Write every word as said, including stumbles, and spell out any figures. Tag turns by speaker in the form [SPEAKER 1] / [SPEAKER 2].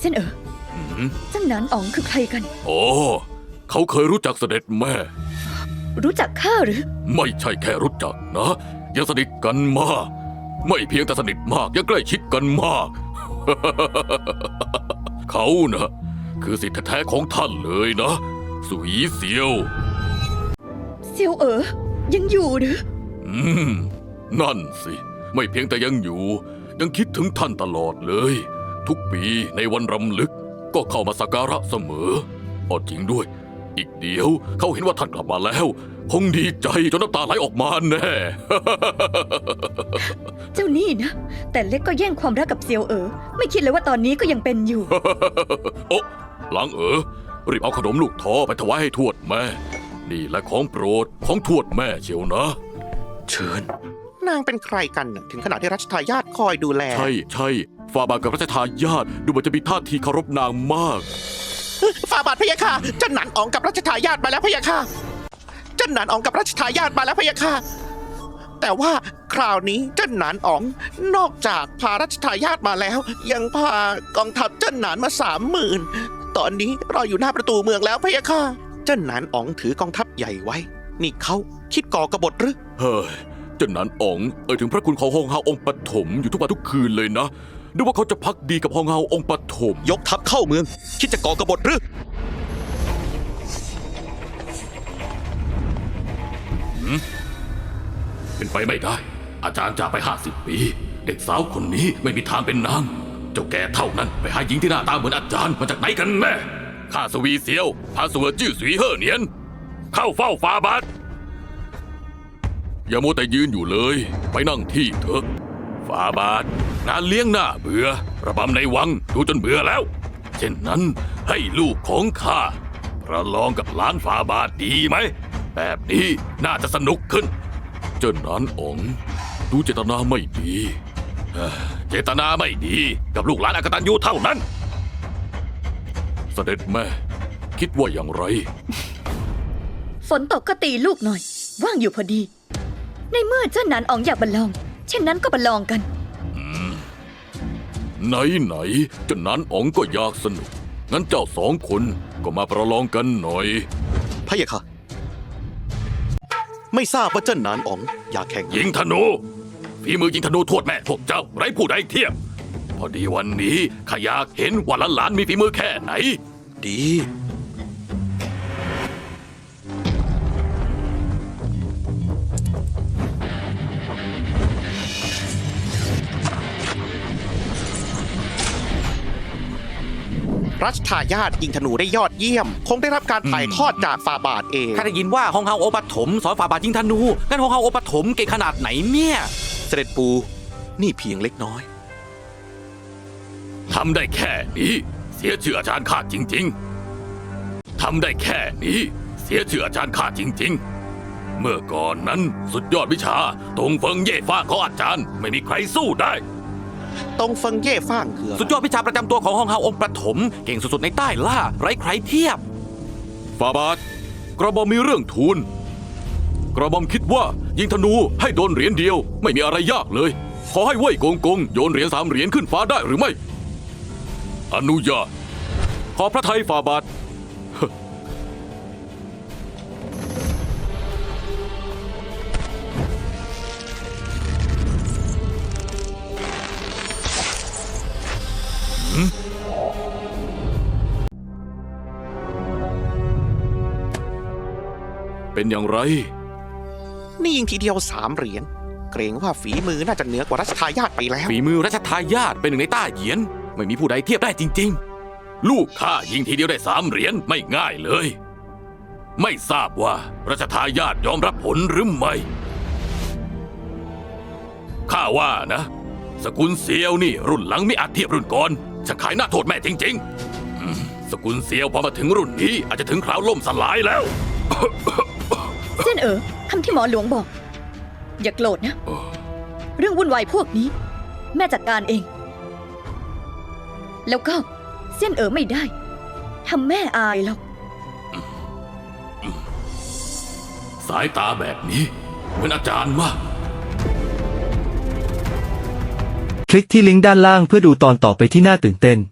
[SPEAKER 1] เส้นเอ๋อจังหนานอ๋องคือใครกัน
[SPEAKER 2] โอ้เขาเคยรู้จักเสด็จแม่
[SPEAKER 1] รู้จักข้าหรือ
[SPEAKER 2] ไม่ใช่แค่รู้จักนะยังสนิทกันมากไม่เพียงแต่สนิทมากยังใกล้ชิดกันมาก เขานะคือสิทธิแท้ของท่านเลยนะสุยเซียว
[SPEAKER 1] เซียวเอ๋อยังอยู่หรือ
[SPEAKER 2] อืมนั่นสิไม่เพียงแต่ยังอยู่ยังคิดถึงท่านตลอดเลยทุกปีในวันรำลึกก็เข้ามาสักการะเสมอเอาจริงด้วยอีกเดียวเขาเห็นว่าท่านกลับมาแล้วคงดีใจจนน้ำตาไหลออกมาแน่
[SPEAKER 1] เจ้านี่นะแต่เล็กก็แย่งความรักกับเซียวเอ๋อไม่คิดเลยว่าตอนนี้ก็ยังเป็นอยู่
[SPEAKER 2] โอ้หลังเอ๋อรีบเอาขนมลูกท้อไปถวายให้ทวดแม่นี่แหละของโปรดของทวดแม่เชียวนะเชิญ
[SPEAKER 3] นางเป็นใครกันถึงขนาดที่รัชทายาทคอยดูแล
[SPEAKER 2] ใช่ใช่ฝ่าบาทกับรัชทายาทดูเหมือนจะมีท่าทีเคารพนางมาก
[SPEAKER 3] ฝ่าบาทพะยะค่ะเจ้าหนานอ๋องกับรัชทายาทมาแล้วพะยะค่ะเจ้าหนานอ๋องกับรัชทายาทมาแล้วพะยะค่ะแต่ว่าคราวนี้เจ้าหนานอ๋องนอกจากพารัชทายาทมาแล้วยังพากองทัพเจ้าหนานมาสามหมื่นตอนนี้รออยู่หน้าประตูเมืองแล้วพะยะค่ะเจ้าหนานอ๋องถือกองทัพใหญ่ไว้นี่เขาคิดก่อกบฏหรือ
[SPEAKER 2] เฮ้ยเจ้าหนานอ๋องเอ่ยถึงพระคุณของฮองเฮาองค์ปฐมอยู่ทุกวันทุกคืนเลยนะดูว่าเขาจะพักดีกับฮองเฮาองค์ปฐม
[SPEAKER 3] ยกทัพเข้าเมืองคิดจะก่อกบฏหรือ
[SPEAKER 2] เป็นไปไม่ได้อาจารย์จากไปห้าสิบปีเด็กสาวคนนี้ไม่มีทางเป็นนางเจ้าแก่เท่านั้นไปหาหญิงที่หน้าตาเหมือนอาจารย์มาจากไหนกันแน่ข้าสวีเซียวพาสวจื้อสุยเฮ่อเนียนเข้าเฝ้าฝ่าบาทอย่ามัวแต่ยืนอยู่เลยไปนั่งที่เถอะฝ่าบาทงานเลี้ยงหน้าเบื่อระบำในวังดูจนเบื่อแล้วเช่นนั้นให้ลูกของข้าประลองกับหลานฝ่าบาทดีไหมแบบนี้น่าจะสนุกขึ้นเจ้าหนานอ๋องดูเจตนาไม่ดีเจตนาไม่ดีกับลูกหลานอกตัญญูเท่านั้นเสด็จแม่คิดว่าอย่างไร
[SPEAKER 1] ฝนตกก็ตีลูกหน่อยว่างอยู่พอดีในเมื่อเจ้าหนานอ๋องอยากบัลลองเช่นนั้นก็บัลลองกัน
[SPEAKER 2] ไหนไหนเจ้าหนานอ๋องก็อยากสนุกงั้นเจ้าสองคนก็มาประลองกันหน่อย
[SPEAKER 3] พะยะค่ะไม่ทราบว่าเจ้าหนานอ๋องอยากแข่ง
[SPEAKER 2] ยิงธนูฝีมือยิงธนูทวดแม่พวกเจ้าไร้ผู้ใดเทียบพอดีวันนี้ข้าอยากเห็นว่าหลานๆมีฝีมือแค่ไหน
[SPEAKER 3] ดีรัชทายาทยิงธนูได้ยอดเยี่ยมคงได้รับการถ่ายทอดจากฝ่าบาทเอง
[SPEAKER 4] ข้าได้ยินว่าฮองเฮาโอปฐมสอนฝ่าบาทยิงธนูงั้นฮองเฮาโอปฐมเก่งขนาดไหนเนี่ย
[SPEAKER 3] เสด็จปูนี่เพียงเล็กน้อย
[SPEAKER 2] ทำได้แค่นี้เสียชื่ออาจารย์ข้าจริงๆทำได้แค่นี้เสียชื่ออาจารย์ข้าจริงๆเมื่อก่อนนั้นสุดยอดวิชาตงเฟิงเย่ฟ้าของอาจารย์ไม่มีใครสู้ได้
[SPEAKER 3] ตงเฟิงเย่ฟ้างคือ
[SPEAKER 4] สุดยอดวิชาประจำตัวของฮองเฮาองค์ปฐมเก่งสุดๆในใต้ล่าไร้ใครเทียบ
[SPEAKER 2] ฝ่าบาทกระหม่อมมีเรื่องทูลกระหม่อมคิดว่ายิงธนูให้โดนเหรียญเดียวไม่มีอะไรยากเลยขอให้เว่ยกงกงโยนเหรียญสามเหรียญขึ้นฟ้าได้หรือไม่อนุญาตขอพระทัยฝ่าบาทเป็นอย่างไร
[SPEAKER 3] นี่ยิงทีเดียวสามเหรียญเกรงว่าฝีมือน่าจะเหนือกว่ารัชทายาทไปแล้ว
[SPEAKER 4] ฝีมือรัชทายาทเป็นหนึ่งในต้าเหยียนไม่มีผู้ใดเทียบได้จริง
[SPEAKER 2] ๆลูกข้ายิงทีเดียวได้สามเหรียญไม่ง่ายเลยไม่ทราบว่ารัชทายาทยอมรับผลหรือไม่ข้าว่านะสกุลเซียวนี่รุ่นหลังไม่อาจเทียบรุ่นก่อนจะขายหน้าโทษแม่จริงๆสกุลเซียวพอมาถึงรุ่นนี้อาจจะถึงคราวล่มสลายแล้ว
[SPEAKER 1] เส้นเอ๋อคำที่หมอหลวงบอกอย่าโกรธนะเรื่องวุ่นวายพวกนี้แม่จัดการเองแล้วก็เส้นเอ๋อไม่ได้ทำแม่อายหรอก
[SPEAKER 2] สายตาแบบนี้เหมือนอาจารย์มาก
[SPEAKER 5] คลิกที่ลิงก์ด้านล่างเพื่อดูตอนต่อไปที่น่าตื่นเต้น